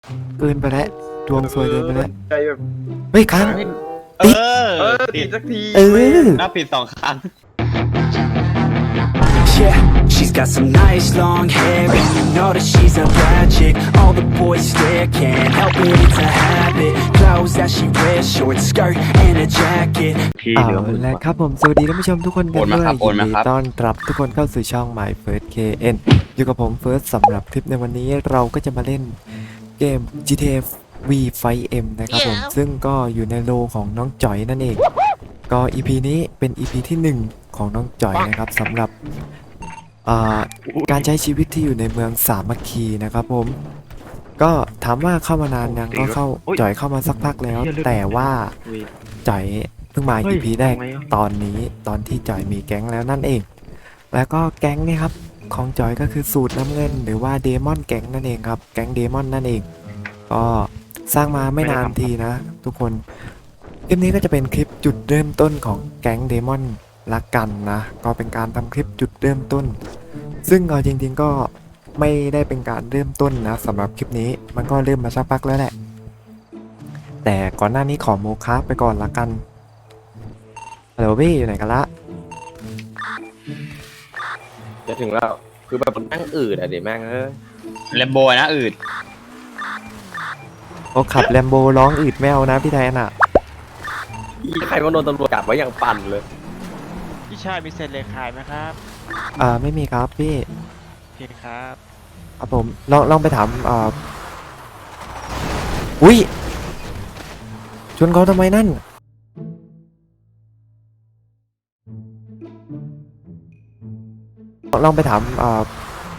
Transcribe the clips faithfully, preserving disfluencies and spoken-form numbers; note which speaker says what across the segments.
Speaker 1: เกินไปแล้วดวงสวยเกินไปแล้ว
Speaker 2: ใจแบบ
Speaker 1: เฮ้ยครั้ง
Speaker 3: เออ
Speaker 2: เออติดสักที
Speaker 1: เออ
Speaker 3: นับผิดสองครั้ง
Speaker 4: Yeah, she's got some nice long hair, and you know that she's a bad chick. All the boys stare, can't help it, it's a habit. Clothes that she wears, short skirt and a jacket.
Speaker 1: เอาละครับผมสวัสดีท่านผู้ชมทุกคนกันด้วยยินดีต้อนรับทุกคนเข้าสู่ช่อง My First เค เอ็น อยู่กับผม First สำหรับคลิปในวันนี้เราก็จะมาเล่นเกม จี ที เอ V Fight M นะครับผมซึ่งก็อยู่ในโลของน้องจ๋อยนั่นเองก็ อี พี นี้เป็น อี พี ที่หนึ่งของน้องจ๋อยนะครับสำหรับการใช้ชีวิตที่อยู่ในเมืองสามัคคีนะครับผมก็ถามว่าเข้ามานานยังก็เข้าจ๋อยเข้ามาสักพักแล้วแต่ว่าจ๋อยเพิ่งมา อี พี แรกตอนนี้ตอนที่จ๋อยมีแก๊งแล้วนั่นเองแล้วก็แก๊งนี่ครับของจ๋อยก็คือสูตรน้ำเงินหรือว่าเดมอนแก๊งนั่นเองครับแก๊งเดมอนนั่นเองก็สร้างมาไม่นานทีนะทุกคนคลิปนี้ก็จะเป็นคลิปจุดเริ่มต้นของแก๊งเดมอนละกันนะก็เป็นการทำคลิปจุดเริ่มต้นซึ่งเอาจริงๆก็ไม่ได้เป็นการเริ่มต้นนะสำหรับคลิปนี้มันก็เริ่มมาสักพักแล้วแหละแต่ก่อนหน้านี้ขอโมคาไปก่อนละกันฮัลโหลพี่อยู่ไหนกันละ
Speaker 2: จะถึงแล้วคือแบบมันนั่งอืดอะเดี๋ยวแม่งเออ
Speaker 3: แลมโบนะอืด
Speaker 1: โอ้ขับแลมโบร้องอืดแมวนะพี่แทนอ่ะ
Speaker 2: ใครว่าโดนตำรวจจับไว้อย่างปั่นเลย
Speaker 5: พี่ชายมีเศษเหล็กขายไหมครับ
Speaker 1: อ่าไม่มีครับพี่
Speaker 5: โอเคครับ
Speaker 1: ครับผมลองลองไปถามอ่าอุ้ยชนเขาทำไมนั่นลองไปถามอ่า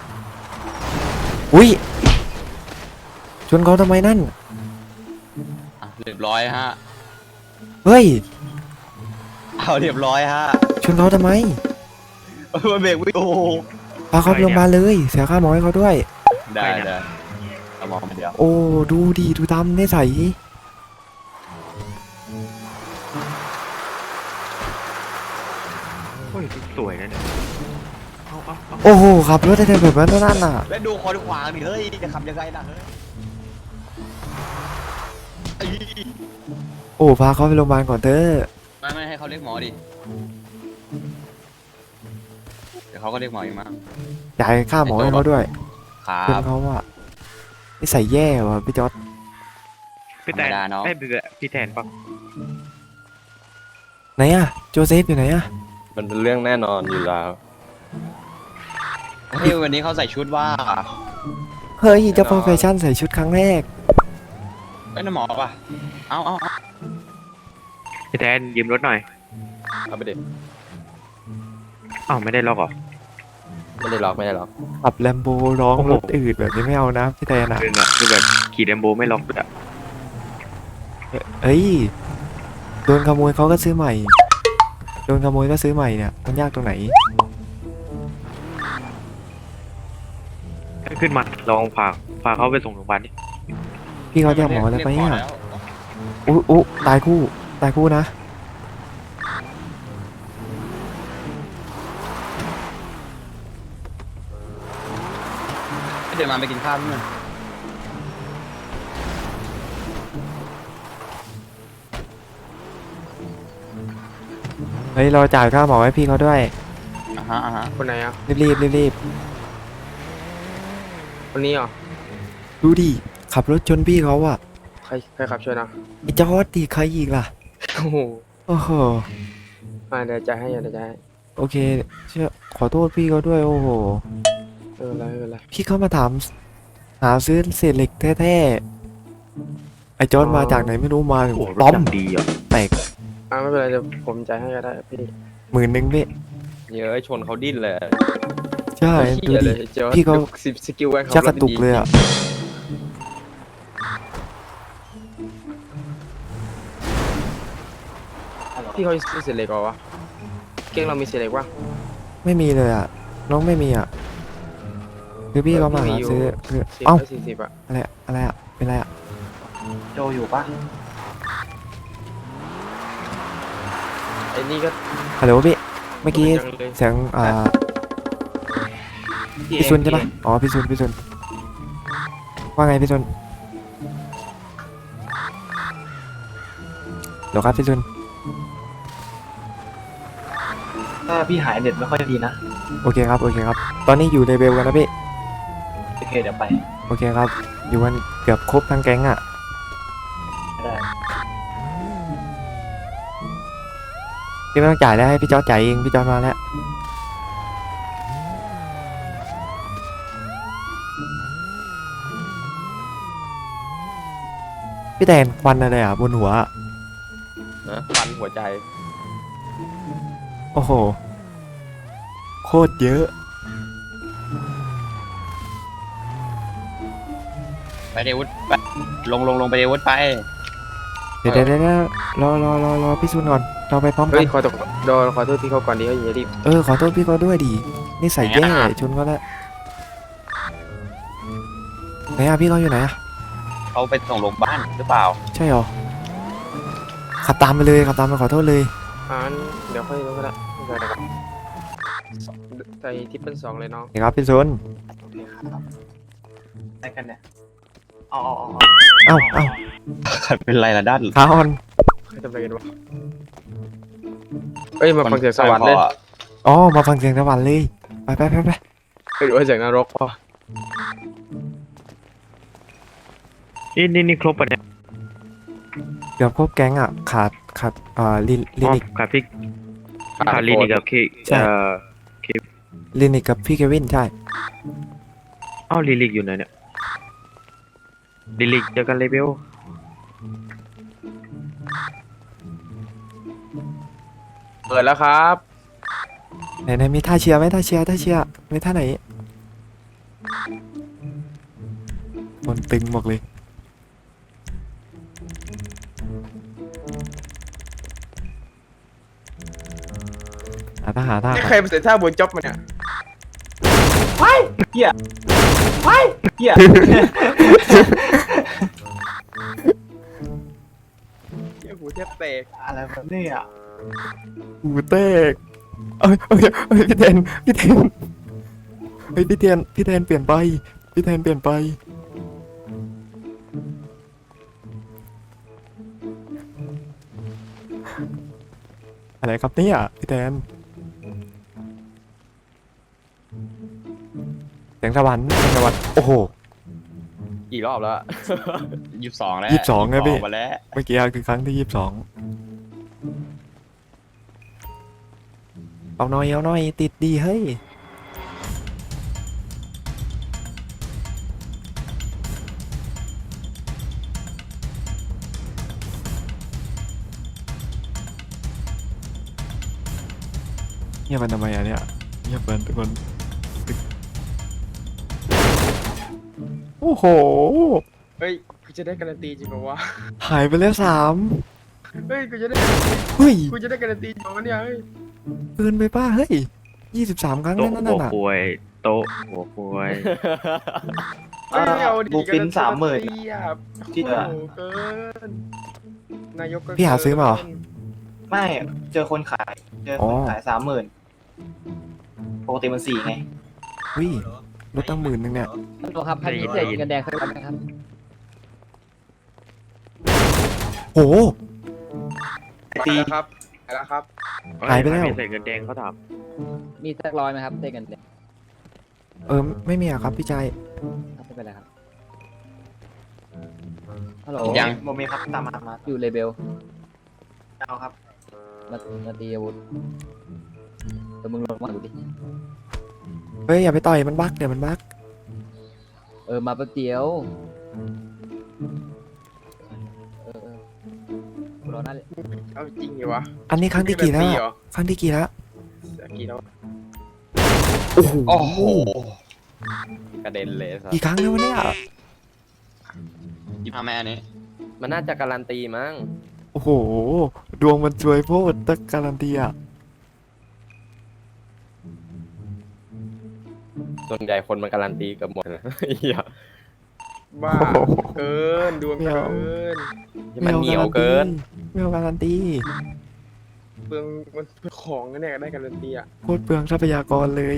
Speaker 1: อุ้ยชนเขาทำไมนั่น
Speaker 3: อ่ะเรียบร้อยฮะ
Speaker 1: เฮ้ย
Speaker 3: เอาเรียบร้อยฮะ
Speaker 1: ชนเขาทำไม
Speaker 3: เออเบรกวิโอ
Speaker 1: พาเขาไปโรงพยาบาลเลยเสียค่าหมอให้เขาด้วย
Speaker 3: ได้ได้เอามองเดียว
Speaker 1: โอ้ดูดีดูดำนิสัย
Speaker 5: โอ้ยสวยนะเนี่ยเอาเอาเอา
Speaker 1: โอ้โหขับรถได้แบบนั้นนั่นน่ะ
Speaker 3: แล้วดูคอนขวางดิเฮ้ยจะขับยังไงนะเฮ้ยไอ้
Speaker 1: โอ้พาเขาไปโรงพยาบาลก่อนเถอะ
Speaker 3: ไม่ไม่ให้เขาเรียกหมอดิเดี๋ยวเขาก็เรียกหมอเองมั้ง
Speaker 1: จ่ายค่าหมอให้เขาด้วย
Speaker 3: ครั
Speaker 1: เพื่อน
Speaker 3: บ
Speaker 1: เขาว่านิสัยแย่ว่ะพี่จอร์ด
Speaker 5: พี่แทน
Speaker 3: ธรรมดาเนอะ
Speaker 5: ไอ้ยพี่พี่แทนปะ
Speaker 1: ไหนอะโจเซฟอยู่ไหนอะ
Speaker 2: มันเป็นเรื่องแน่นอนอยู่แล้ว
Speaker 3: เฮ้ยวันนี้เขาใส่ชุดว่า
Speaker 1: เฮ้ยเจ้าโปรเฟชั่นใส่ชุดครั้งแรก
Speaker 3: เอ้ยนั่นหมอป่ะเอาเอาเอา
Speaker 5: พี่แทนยืมรถหน่อย
Speaker 2: เอาไปเด็ด
Speaker 5: อ้าวไม่ได้ล็อกเหรอ
Speaker 2: ไม่ได้ล็อกไม่ได้ล็อก
Speaker 1: ขับแลมโบร้อง
Speaker 5: โอ้โห
Speaker 1: รถอืดแบบนี้ไม่เอานะพี่แทนอะ
Speaker 5: คือเนี่ยคือแบบขี่แลมโบไม่ล็อกเลยอะ
Speaker 1: เฮ้ยโดนขโมยเขาก็ซื้อใหม่โดนขโมยก็ซื้อใหม่เนี่ยมันยากตรงไหน
Speaker 5: ขึ้นมาลองพาพาเขาไปส่งโรงพยาบาลดิ
Speaker 1: พี่เขาแยกหมอแล้วไป
Speaker 3: เรียกหม
Speaker 1: อะ
Speaker 3: แล้ว
Speaker 1: อุ๊อุ๊ตายคู่ตายคู่นะ
Speaker 3: เดี๋ยวมาไปกินข้าวด้วย
Speaker 1: เฮ้ยเราจ่ายค่าหมอให้พี่เขาด้วย
Speaker 3: อ่าฮะอ่าฮะ
Speaker 2: คนไหนอ่ะ
Speaker 1: รีบรีบรีบรีบ
Speaker 2: คนนี้เหรอ
Speaker 1: ดูดิขับรถชนพี่เขาอะ
Speaker 2: ใครใครขับช่วยนะ
Speaker 1: ไอ้จอร์ดดิใครอีกล่ะ
Speaker 2: โอ้โห
Speaker 1: โอ้โห
Speaker 2: มาเดี๋ยวจะให้เดี๋ยวจะให้
Speaker 1: โอเคเชื่อขอโทษพี่เขาด้วยโอ้โห
Speaker 2: เอออะไรไม่เป็นไร
Speaker 1: พี่เขามาถามหาซื้อเศษเหล็กแท้ๆไอ้จอร์ดมาจากไหนไม่รู้มาถึง
Speaker 5: โอ้โหร
Speaker 1: ล้อ
Speaker 5: ถ
Speaker 1: ม
Speaker 5: ดังดีอ่ะ
Speaker 1: แตก
Speaker 2: อ่าไม่เป็นไรเดี๋ยวผมจ่ายให้ก็ได้พี่
Speaker 1: หมื่นหนึ่งพี่
Speaker 2: เยอะชนเขาดิ้นเลย
Speaker 1: ใช่ดูดิ พี่เขา
Speaker 2: สิบสกิลไว้เขา
Speaker 1: ชักกระตุกเลยอะ
Speaker 2: พี่เขาซื้อเสร็จเลยก่อนวะเก่งเรามีเสร็จเลยปะ
Speaker 1: ไม่มีเลยอะน้องไม่มีอะคือพี่เขามาหาซื้อคือ
Speaker 2: สิบ
Speaker 1: เอ้า
Speaker 2: สี่สิบอะ
Speaker 1: อะไรอะอะไรอะเป็นอะไรอะ
Speaker 3: โจอยู่ปะ
Speaker 2: ไอ้นี่ก็
Speaker 1: ฮัลโหลพี่เมื่อกี้
Speaker 2: จังเลย
Speaker 1: เสียงอ่าพี่ซุนใช่ปะอ๋อพี่ซุนพี่ซุนว่าไงพี่ซุนเดี๋ยวครับพี่ซุน
Speaker 6: ถ้าพี่หายเน็ตไม่ค่อยดีนะ
Speaker 1: โอเคครับโอเคครับ ตอนนี้อยู่เลเวลกันนะพี่
Speaker 6: โอเคเดี๋ยวไป
Speaker 1: โอเคครับ อยู่กันเกือบครบทั้งแก๊งอ่ะ
Speaker 6: ได้
Speaker 1: พี่ไม่ต้องจ่ายแล้วให้พี่จอร์จจ่ายเองพี่จอร์จมาแล้วพี่แดนควันอะไรอ่ะบนหัวอะ
Speaker 2: นะฟันหัวใจ
Speaker 1: โอ้โหโคตรเยอะ
Speaker 3: ไปเดวุฒไปลงลงลงไปเดวุฒไป
Speaker 1: เดี๋ยวเดี๋ยวเดี๋ยวรอรอรอรอพี่ซุนก่อนเราไปพร้อมกั
Speaker 2: เฮ้ย
Speaker 1: น
Speaker 2: ขอตกโดนขอโทษพี่เขาก่อนดีเขาอย่ารีบ
Speaker 1: เออขอโทษพี่เขาด้วยดินี่ใส่แย่ชนก็แล้วไหนอะพี่เขาอยู่ไหนอะ
Speaker 3: เขาไปส่งโรงพยาบาลหรือเปล่า
Speaker 1: ใช่หรอขับตามไปเลยขับตามไปขอโทษเลย
Speaker 2: อ่านเดี๋ยวค่อยรู้ก็ได้ไม่เป็นไรครับใส่ทิปเปิลสองเลยน้อง
Speaker 1: เดี๋ยวครับพี่ซุน
Speaker 6: โอเคครับได้กันเนี่ยอ๋ออ๋ออ๋อ
Speaker 1: เอ้าเอ้า
Speaker 3: ใครเป็นไรล่ะด้าน
Speaker 1: ขาอ่อน
Speaker 2: ใครทำอะไรกันวะเอ้ยมาฟังเสียงสวรรค์เลย
Speaker 1: อ๋อมาฟังเสียงสวรรค์เลยไปไปไปไป
Speaker 2: เฮ้ยหรือว่าเสียงนรกพอ
Speaker 5: นี่นี่นี่ครบปะเนี่ย
Speaker 1: เกือบครบแก๊งอ่ะขาดขาดอ่าลิลิ
Speaker 5: อ๋อ
Speaker 1: นิก
Speaker 5: ขาดพี่ขาดลินิกกับเค
Speaker 1: ใช่
Speaker 5: เอ่อ
Speaker 1: ลินิกกับพี่เควินใช่
Speaker 5: อ้าวลิลิกอยู่ไหนเนี่ยลิลิกเจอกันเลเวล
Speaker 2: เปิดแล้วครับ
Speaker 1: ไหนไหนมีท่าเชียร์ไหมท่าเชียร์ท่าเชียร์มีท่าไหนบนตึงหมดเลยหาท่าหาท่า
Speaker 2: นี่ใครมาเสียท่าบนจ็อบมาเนี่ย
Speaker 6: เฮียไปเฮีย
Speaker 2: เหี้ยหูแทบแตก
Speaker 6: อะไรแบบนี้อ่ะ
Speaker 1: หูเตกเอ้ยเอ้ยเอ้ยพี่แทนพี่แทนเฮ้ยพี่แทนพี่แทนเปลี่ยนไปพี่แทนเปลี่ยนไปอะไรครับเนี่ยพี่แทนเสียงสวรรค์เสียงสวรรค์โอ้โห
Speaker 2: กี่รอบแล้ว
Speaker 3: ยี่สิบสองแล้ว
Speaker 1: ยี่สิบสองนะพี่
Speaker 3: มาแล้ว
Speaker 1: เมื่อกี้คือครั้งที่ยี่สิบสองเอาหน่อยเอาหน่อยติดดีเฮ้ยเงียบมันทำไมอ่ะเนี่ยเงียบมันทุกคนโอ้โห
Speaker 2: เฮ้ยกูจะได้การันตีจริงเหรอวะ
Speaker 1: หายไปแล้วสาม
Speaker 2: เฮ้ยกูจะได้
Speaker 1: เฮ้ย
Speaker 2: กูจะได้การันตีจริงเหรอวะเนี่ยเฮ้ย
Speaker 1: เกินไปป้าเฮ้ยยี่สิบสามครั้ง
Speaker 5: โต๊ะ
Speaker 1: นั่น
Speaker 5: หั
Speaker 1: นั่
Speaker 5: วน
Speaker 1: น่ะ
Speaker 5: ควยโต๊ะหัวควย
Speaker 2: เฮ้ยไม่เอาดิ
Speaker 6: บูฟินสามหมื่น
Speaker 2: การัตีอะ
Speaker 6: ที่
Speaker 2: โอ้
Speaker 6: เหลือ
Speaker 2: โหเกินนายกก็
Speaker 1: พี่หาซื้อมาเหรอ
Speaker 6: ไม่เจอคนขายเจอคนขายสามหมื่นปกติมันสี่ไง
Speaker 1: วิลดตั้งหมื่นนึงเนี่ย
Speaker 7: ฮัลโหลครับพันพิเศษเงินแดงเคยรับไหมครับ
Speaker 1: โห
Speaker 2: ตีครับไปแล้วครับ
Speaker 1: หายไปแล้ว
Speaker 5: ม่ใส่เงินแดงเขาถาม
Speaker 7: มีสักร้อยไหมครับเศษเงินแดง
Speaker 1: เออไม่มีอะครับพี่ชาย
Speaker 7: ครับไม่เป็นไรครับฮัลโหล
Speaker 3: ยัง
Speaker 6: โมเมครับตามมามา
Speaker 7: อยู่เลเบล
Speaker 6: เอาครับ
Speaker 7: มามาตีอาวุธแต่มึงลงมาดูดิ
Speaker 1: เฮ้ยอย่าไปต่อยมันบักเดี๋ยวมันบัก
Speaker 7: เออมาแป๊บเดียวเออเออกูรอหน้าเลย
Speaker 2: เอาจริงเหรอวะ
Speaker 1: อันนี้ครั้งที่กี่แล้ว
Speaker 2: ตี
Speaker 1: อะ
Speaker 2: เหรอ
Speaker 1: ครั้งที่กี่แล้ว
Speaker 2: กี่แล้ว
Speaker 1: โอ้โห
Speaker 3: โอ้โห
Speaker 2: กระเด็นเลยครับ
Speaker 1: กี่ครั้งแล้ววะเนี่ย
Speaker 3: ยี่ห้าแม่อันนี้
Speaker 2: มันน่าจะการันตีมั้ง
Speaker 1: โอ้โหดวงมันช่วยโพดตะการันตีอะ
Speaker 2: ส่วนใหญ่คนมันการันตีกับหมดนะเหี้ยบ้าเกินดวงเกินมันเหนียวเกิน
Speaker 1: ไม่เอาการันตี
Speaker 2: เปลืองมันเปลืองของนะเนี่ยได้การันตีอ่ะ
Speaker 1: โคตรเปลืองทรัพยากรเลย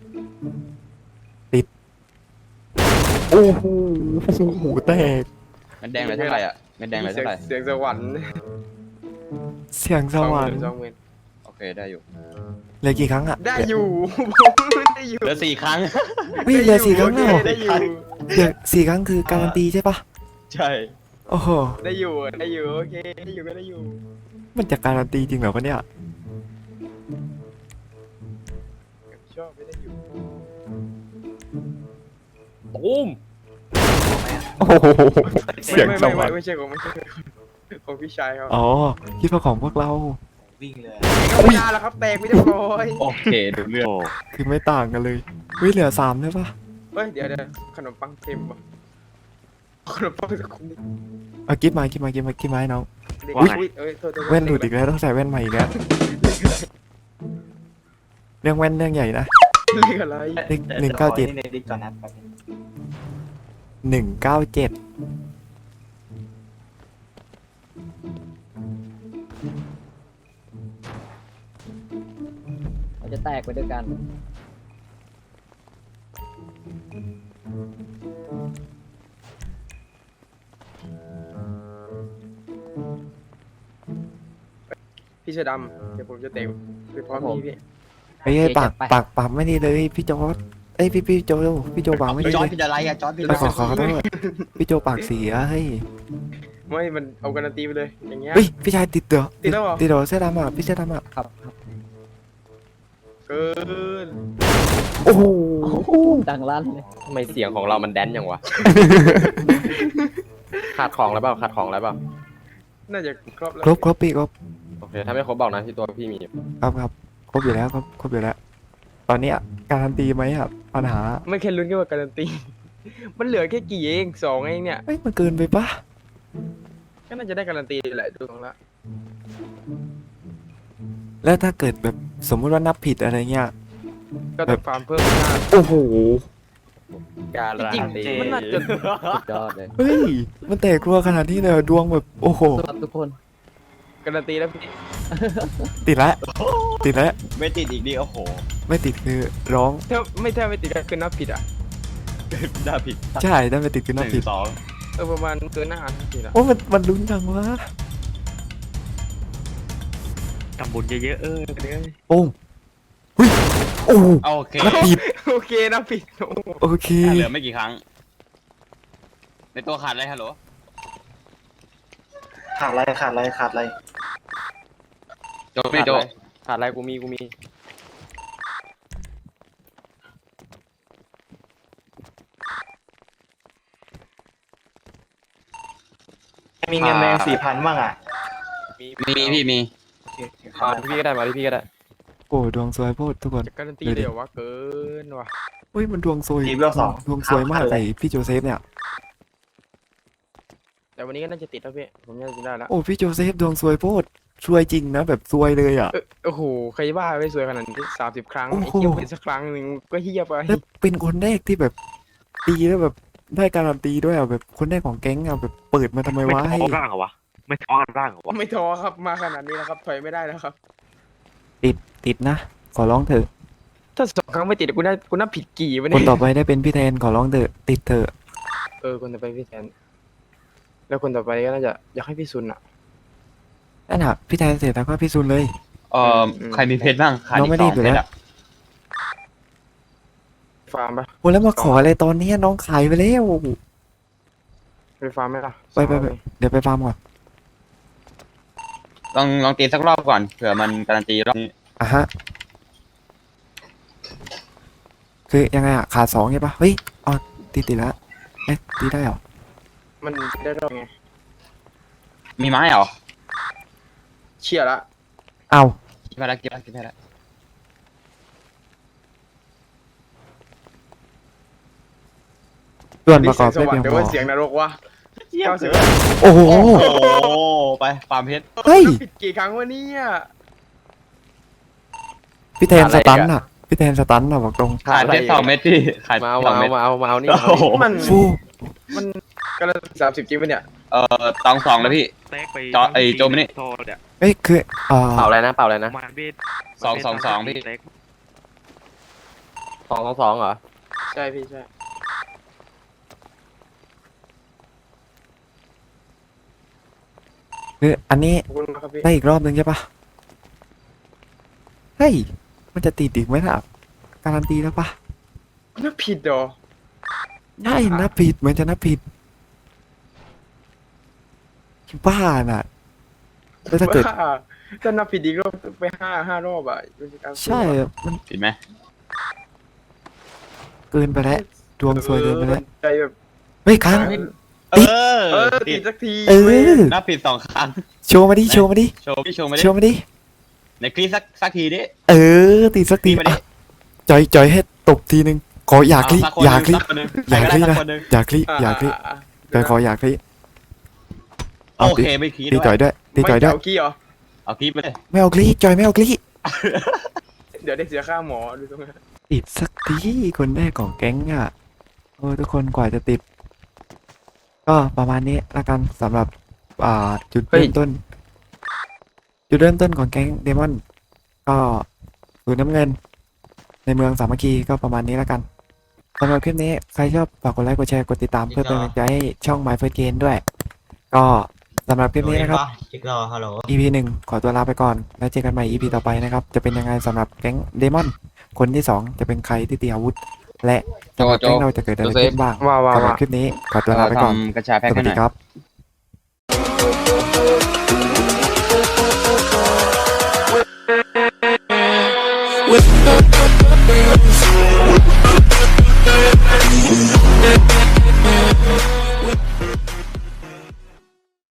Speaker 1: ติดโอ้โหหูแตก
Speaker 3: เม็ดแดงเลยเท่าไหร่อ่ะเม็ดแดงเลยเท่าไหร่
Speaker 2: เสียงสวรรค์
Speaker 1: เสียงสวรรค์
Speaker 2: สองหมื่น
Speaker 3: โอเคได้อยู่
Speaker 1: เหลือกี่ครั้งอะ
Speaker 2: ได้อยู่ผมได้อยู่
Speaker 3: เหลือสี่ครั้ง
Speaker 1: วิ่เหลือสี่ครั้งแล้วเหรอ
Speaker 2: ได้อยู่
Speaker 1: เหลือสี่ครั้งคือการันตีใช่ปะ
Speaker 3: ใช่
Speaker 1: โอ้โห
Speaker 2: ได้อยู่ได้อยู่โอเคได้อยู่ก็ได้อยู่
Speaker 1: มันจะการันตีจริงเหรอวะเนี่ย
Speaker 2: ชอบไม่ได้อยู่
Speaker 3: ตูม
Speaker 1: โอ้โหเสียง
Speaker 2: ไม่
Speaker 1: ส
Speaker 2: ไม่
Speaker 1: วร
Speaker 2: ไม่
Speaker 1: รค์
Speaker 2: ไม่ใช่ของไม่ใช่ของพี่ชายเขา
Speaker 1: อ๋อคิดว่าของพวกเรา
Speaker 6: วิ่งเลย
Speaker 2: ก็ไม่ได้แล้วครับแตกไม่เรียบร้อย
Speaker 3: โอเคดูเรื่อง
Speaker 1: คือไม่ต่างกันเลยวิเหลือสามใช่ปะ
Speaker 2: เฮ้ยเดี๋ยวเดี๋ยวขนมปังเต็มป่ะขนมปังสักคนดิ
Speaker 1: เอากิ๊บมากิ๊บมากิ๊บมากิ๊บมาให้น้อง
Speaker 2: เด็ก
Speaker 1: อุ๊ย
Speaker 2: อุ๊ยเอ้ยโทษโทษ
Speaker 1: แว่นหลุดอีกแล้วต้องใส่แว่นใหม่อีกแล้วเรื่องแว่นเรื่องใหญ่นะ
Speaker 2: เลขอะไร
Speaker 1: เลขหนึ่งเก้าเจ็ด
Speaker 6: ในดิสก่อนนะแป๊บนึง
Speaker 1: หนึ่งเก้าเจ็ด
Speaker 7: เราจะแตกไปด้วยกัน
Speaker 2: พี่เสื้อดำเดี๋ยวผมจะเตะไปพร้อมพี่พี่
Speaker 1: เฮ้ย
Speaker 7: โอเค
Speaker 1: ปาก
Speaker 7: จัดไป
Speaker 1: ปากปากไม่ดีเลยพี่โจอดเอ้ยพี่พี่โจพี่โจปากไม่ดี
Speaker 3: จอ
Speaker 1: เล
Speaker 3: ร์ด
Speaker 1: ย
Speaker 3: เป็นอะไรอ่ะจอร์ดเป็นอะ
Speaker 1: ไป
Speaker 3: ไร
Speaker 1: ขอขอโทษพี่โจปากเสียเฮ้ย
Speaker 2: ไม่มันเอาการันตีไปเลยอย่างเงี้ย
Speaker 1: เฮ้ยพี่ชายติดเด้อ
Speaker 2: ติดแล้วเหรอ
Speaker 1: ติดเด้อเสื้อดำอ่ะพี่เสื้อดำอ่ะ
Speaker 7: ครับครับ
Speaker 2: เกิน
Speaker 1: โอ้โห
Speaker 7: ดังลั่นเลย
Speaker 2: ทำไมเสียงของเรามันแดนอย่างวะ ขาดของแล้วเปล่าขาดของแล้วเปล่าน่าจะครบแล้ว
Speaker 1: ครบครบพี่ครบ
Speaker 2: โอเคถ้าไม่ครบบอกนะที่ตัวพี่มี
Speaker 1: ครับครับครบอยู่แล้วครับครบอยู่แล้ว ตอนเนี้ยการันตีไหมครับปัญหา
Speaker 2: ไม่แค่ลุ้นแค่ว่าการันตี มันเหลือแค่กี่เองสองเองเนี่ย
Speaker 1: เฮ้ยมันเกินไปปะ
Speaker 2: ก็น่าจะได้การันตีแหละดูตรงละ
Speaker 1: แล้วถ้าเกิดแบบสมมุติว่านับผิดอะไรเงี้ย
Speaker 2: ก็ต้องฟาร์มเพิ่มหน้า
Speaker 1: โอ้โห
Speaker 2: การันตีมันน่าจะ
Speaker 7: สุดยอดเลย
Speaker 1: เฮ้ยมันแตกรัวขนาดนี้เลยเหรอดวงแบบโอ้โห
Speaker 7: ครับทุกคน
Speaker 2: การันตีแล้วพี่
Speaker 1: ติดแล้วติดแล้ว
Speaker 3: ไม่ติดอีกดิโอ้โห
Speaker 1: ไม่ติดคือร้อง
Speaker 2: ถ้าไม่ถ้าไม่ติดก็คือนับผิดอ่ะ
Speaker 3: ได้ผิด
Speaker 1: ใช่ได้ไม่ติดคือ
Speaker 3: ห
Speaker 1: นับ
Speaker 3: นึ่
Speaker 1: ผิด
Speaker 3: งสอง
Speaker 2: เออประมาณเกินหน้าผิดอ่ะ
Speaker 1: โอ้มันมันลุ้นจังวะ
Speaker 5: ทำบุญเยอะๆเออเดี๋ยว
Speaker 1: โอ้งเฮ้ยโอ้โห
Speaker 3: โอเค
Speaker 1: นับผิด
Speaker 2: โอเคนับผิดโอ้
Speaker 1: โอเค
Speaker 3: เหลือไม่กี่ครั้ง ในตัวขาดอะไรฮัลโหล
Speaker 6: ขาดอะไรขาดอะไรขาดอะไร
Speaker 3: โจพี่โจ
Speaker 2: ขาดอะไรกูมีกูมี
Speaker 6: มีเงินแดงสี่พันบ้างอ่ะ
Speaker 3: มีพี่มี
Speaker 6: โอเคโอเคค
Speaker 2: มา
Speaker 6: รับ
Speaker 2: ที่พี่ก็ได้มาที่พี่ก็ได้
Speaker 1: โอ้ดวงสวยโพดทุกคน
Speaker 2: จะการันตีเลยเหรอวะเกินว่ะ
Speaker 1: เฮ้ยมันดวงสวย
Speaker 6: ทีมเบลสอง
Speaker 1: ดวงสวยมาก
Speaker 6: เล
Speaker 1: ใส่
Speaker 6: ย
Speaker 1: พี่โจเซฟเนี่ย
Speaker 2: แต่วันนี้ก็น่าจะติดแล้วพี่ผมน่าจะได้แล้ว
Speaker 1: โอ้พี่โจเซฟดวงสวยโพดสวยจริงนะแบบสวยเลยอ่ะ
Speaker 2: เออโอ้โหใครว่าไม่สวยขนาดนี้สามสิบครั้ง
Speaker 1: โอ้โห
Speaker 2: ไอ้เหี้ยเป็นสักครั้งหนึ่งก็เฮียไป
Speaker 1: แล้วเป็นคนแรกที่แบบตีแล้วแบบได้การันตีด้วยอ่ะแบบคนแรกของแก๊งอ่ะแบบเปิดมาทำไม
Speaker 5: ไม่
Speaker 1: วะ
Speaker 5: ท้
Speaker 1: ให้
Speaker 5: อร่างเหรอวะไม่ท้อกันร่างเหรอวะ
Speaker 2: ไม่ท้อครับมาขนาดนี้แล้วครับถอยไม่ได้แล้วครับ
Speaker 1: ติดติดนะ ขอร้องเถอะ
Speaker 2: ถ้าสองครั้งไม่ติดกูน่ากูน่าผิดกี่วะ
Speaker 1: ค
Speaker 2: เนี่
Speaker 1: น
Speaker 2: ย
Speaker 1: ต่อไปได้เป็นพี่แทนขอร้องเถอะติดเถอะ
Speaker 2: เออคนต่อไปพี่แทนแล้วคนต่อไปก็น่าจะอยากให้พี่ซุนอ่ะ
Speaker 1: นั่นอ่ะพี่แทนเสร็จแล้วก็พี่ซุนเลย
Speaker 3: เอ่อใครมีเพชรบ้างขาด
Speaker 1: น้อ
Speaker 3: อี
Speaker 1: งไม่
Speaker 3: กส
Speaker 1: รี
Speaker 3: อบ ง
Speaker 1: อยู่
Speaker 3: เพ
Speaker 1: แล้ว
Speaker 3: ชรอะ
Speaker 2: ฟาร์มปะ
Speaker 1: โอ้แล้วมาขออะไรตอนนี้น้องขายไปแล้ว
Speaker 2: ไปฟาร์มไหมล่ะ
Speaker 1: ไปไปไปเดี๋ยวไปฟาร์มก่อน
Speaker 3: ลองลองตีสักรอบก่อนเผื่อมันการันตีรอบนี้
Speaker 1: อ่ะฮะคือยังไงอ่ะขาดสองใช่ปะเฮ้ยอ๋อตีติดแล้วเอ๊ะตีได้เหรอ
Speaker 2: มันได้รอบไง
Speaker 3: มีไม้เหรอ
Speaker 2: เชี่ยละ
Speaker 1: เอา
Speaker 3: กินไปแล้วกินไปแล้วกินไปแล้ว
Speaker 1: ส่วนประกอบ
Speaker 2: เสี
Speaker 1: ไม่
Speaker 2: ยงสวรร
Speaker 1: เพีย
Speaker 2: ค์
Speaker 1: งพอ
Speaker 2: หรือว่าเสียงนรกวะเก้าสิบ
Speaker 1: โอ้โห
Speaker 3: โอ้โหไปฟาร์มเพชร
Speaker 1: เฮ้ย
Speaker 2: ผิดกี่ครั้งวะเนี่ย
Speaker 1: พี่แทนสตันอ่ะพี่แทนสตันอ่ะบอกตรง
Speaker 3: ขาดเพชรสองเม็ดพี่ขาด
Speaker 2: มาเอา
Speaker 3: สอง
Speaker 2: มา
Speaker 3: เม็
Speaker 2: เอา
Speaker 3: ด
Speaker 2: มาเอามาเอานี่
Speaker 3: โอ้โห
Speaker 2: มัน
Speaker 1: ฟู
Speaker 2: มันกำลังสามสิบจริงปะเนี่ย
Speaker 3: เอ่อตองสองแล้วพี่
Speaker 5: แตกไป
Speaker 3: จอไอ้โจมนี่
Speaker 5: โทษเนี่ย
Speaker 1: เอ้ยคืออ่า
Speaker 2: เป่าอะไรนะเป่าอะไรนะ
Speaker 5: มาเบส
Speaker 3: สองสองสองพี่
Speaker 5: แตก
Speaker 2: สองสองสองเหรอใช่พี่ใช่
Speaker 1: คืออันนี้
Speaker 2: ขอบคุณครับพี่
Speaker 1: ได้อีกรอบนึงใช่ปะเฮ้ย มันจะติดอีกไหมล่ะ การันตีแล้วปะ
Speaker 2: น่าผิดเหรอ
Speaker 1: ใช่นับผิดเหมือนจะนับผิดบ้าน่ะแล้วถ้าเกิด
Speaker 2: บ้ถ้านับผิดอีกรอบไปห้าห้ารอบอ่ะมันจะการสู้
Speaker 1: ใช่
Speaker 2: อะ
Speaker 1: มัน
Speaker 3: ผิดไหม
Speaker 1: เกินไปแล้วดวงซวยเกินไปแล้ว
Speaker 2: ใจแบบ
Speaker 1: เฮ้ยค้าง
Speaker 3: เออ
Speaker 2: เออ
Speaker 3: ผิ
Speaker 2: ติ
Speaker 3: ด
Speaker 2: ดสักที
Speaker 1: เออ
Speaker 3: นับผิดสองครั้ง
Speaker 1: โชว์มาดิ โชว์มาดิ
Speaker 3: โชว์พี่โชว์มาดิ
Speaker 1: โชว์มาดิ
Speaker 3: ในคลิปสักสักทีดิ
Speaker 1: เออติดสักที
Speaker 3: ตีมาดิ
Speaker 1: อ่ะจอยจอยให้ตบทีนึง ขออยากคลิ
Speaker 3: เสัคน
Speaker 1: อยากคลิ
Speaker 3: สักคนหนึ่ง
Speaker 1: อยากคลิ
Speaker 3: ใคร
Speaker 1: นะ
Speaker 3: ได้สักคนหนึ่ง
Speaker 1: อยากคลิอยากคลิจอยขออยากคลิ
Speaker 3: โอเคไม่คลิป
Speaker 1: ตีจอยด้วยตีจอยด้วย
Speaker 2: ไม่เากี้เหรอ
Speaker 3: เอาคลิปไปเลย
Speaker 1: ไม่เอาคลิจอยไม่เอาคลิ
Speaker 2: เดี๋ยวได้เสียค่าหมอดูตรงนั้น
Speaker 1: ติดสักทีคนแรกของแก๊งอ่ะโอ้ทุกคนกว่าจะติด ก็ประมาณนี้ละกันสำหรับอ่าจุดเริ่มต้น จุดเริ่มต้นของแก๊งเดมอนก็สูนน้ำเงิน ในเมืองสามัคคีก็ประมาณนี้ละกันสำหรับคลิปนี้ใครชอบฝากกดไลค์กดแชร์กดติดตามเพื่อเป็นกำลังใจให้ช่อง My First Game ด้วย ก็สำหรับคลิปนี้นะครับ
Speaker 8: จิกรอฮัลโหล
Speaker 1: อี พี หนึ่งขอตัวลาไปก่อน แล้วเจอกันใหม่ อี พี ต่อไปนะครับ จะเป็นยังไงสำหรับแก๊งเดมอน คนที่สองจะเป็นใครที่ตีอาวุธ และสำหรับแก๊งเราจะเกิดอะไรขึ้นบ้าง
Speaker 5: ว่าว่า
Speaker 1: สำหรับ
Speaker 5: ว่า
Speaker 1: คลิปนี้ขอตัวลาไปก่อน
Speaker 3: ทำกระชาแพ็ค
Speaker 1: สวั
Speaker 3: ให้
Speaker 1: ส
Speaker 3: ห
Speaker 1: ดี
Speaker 3: น่อย
Speaker 1: ครับ